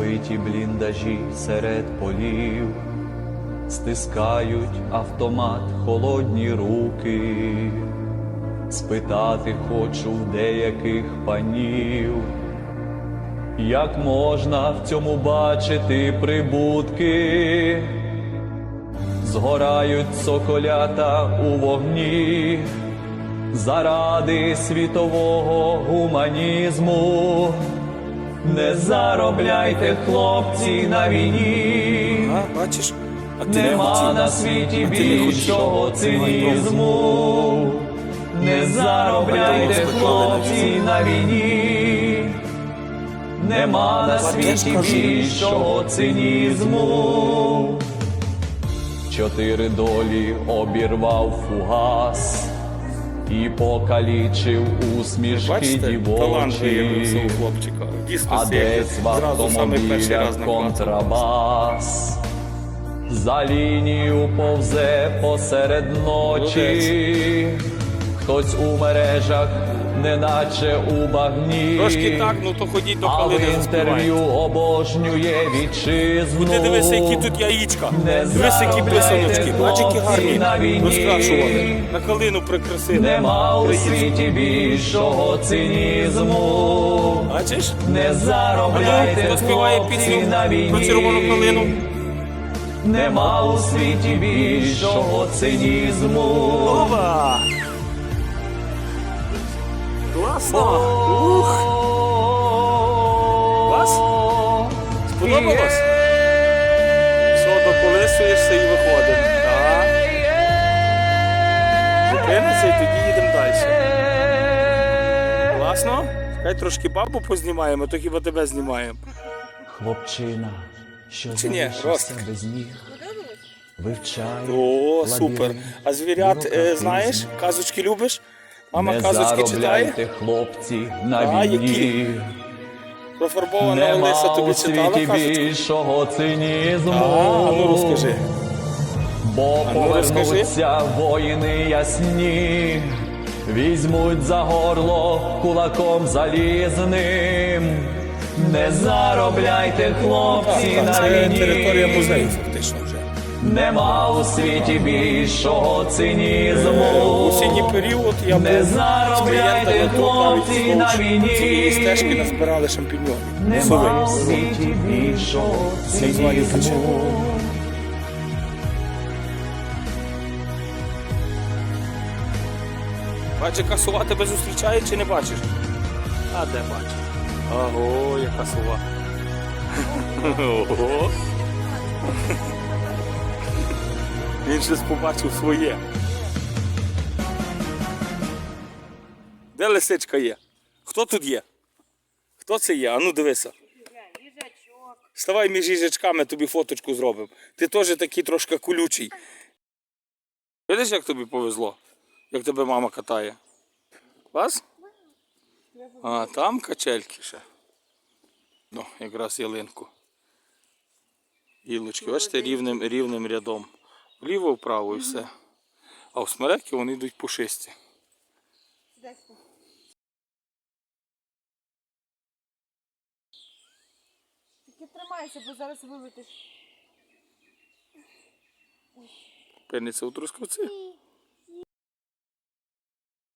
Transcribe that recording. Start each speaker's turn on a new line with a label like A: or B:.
A: Розбиті бліндажі серед полів, стискають автомат холодні руки. Спитати хочу в деяких панів, як можна в цьому бачити прибутки? Згорають соколята у вогні заради світового гуманізму. Не заробляйте, хлопці, на війні.
B: Бачиш? А ти
A: Нема на світі більшого цинізму. Не заробляйте, хлопці, на війні. Нема на світі більшого цинізму. 4 долі обірвав фугас і покалічив усмішки дівочі. А десь в автомобілях контрабас за лінію повзе посеред ночі. Хтось у мережах, неначе у багні.
B: Трошки так, ну то ходіть до
A: а в
B: Калини
A: інтерв'ю обожнює вітчизну.
B: Ти дивися, які тут яєчка. Дивися, які писаночки. Бачиш, які гарні. Розкрашували. На Калину прикрасили.
A: Нема у світі більшого цинізму.
B: Бачиш?
A: Не заробляйте,
B: Хто співає пісню про червону калину?
A: Нема у світі більшого цинізму.
B: Ова! Класно! Ух! Клас? Сподобалось? Все, доколисуєшся і виходимо. Так. Зупинися і тоді їдемо далі. Класно? Хай трошки бабу познімаємо, то хіба тебе знімаємо.
A: Хлопчина, що
B: Чи ні?
A: залишився
B: Ростик.
A: без ніг, вивчає
B: О, супер.
A: лабіринт
B: А звірят,
A: бюрократизму.
B: знаєш, казочки любиш? Мама
A: Не
B: казочки читає?
A: заробляйте, хлопці, на
B: А,
A: війні.
B: які? Профарбована Олеся
A: Нема
B: тобі
A: у
B: читала
A: світі
B: казочку?
A: більшого цинізму.
B: А ну розкажи.
A: Бо
B: ну,
A: повернуться воїни ясні, візьмуть за горло кулаком залізним. Не заробляйте, хлопці,
B: Так,
A: на
B: це територія
A: війні.
B: музею фактично вже.
A: Нема у світі більшого цинізму.
B: В осінній період я був
A: Не
B: з
A: заробляйте,
B: клієнтами тут
A: хлопці,
B: навіть
A: на
B: вздовж
A: війні.
B: цієї стежки назбирали шампіньонів.
A: Нема у
B: Сови.
A: світі більшого
B: Так звані
A: цинізму.
B: Бачиш, яка сова тебе зустрічає чи не бачиш? А де бачиш? Ого, яка сова. Ого. Він щось побачив своє. Де лисичка є? Хто тут є? Хто це є? А ну дивися. Ставай між їжачками, тобі фоточку зробимо. Ти теж такий трошки колючий. Видиш, як тобі повезло? Як тебе мама катає? Вас? А, там качельки ще. Ну, якраз ялинку. Гілочки, бачите, рівним рядом. Вліво, вправо і все. А в смереки вони йдуть пушисті.
C: Тільки тримайся, бо зараз вилетиш.
B: Пильниця у трускавці.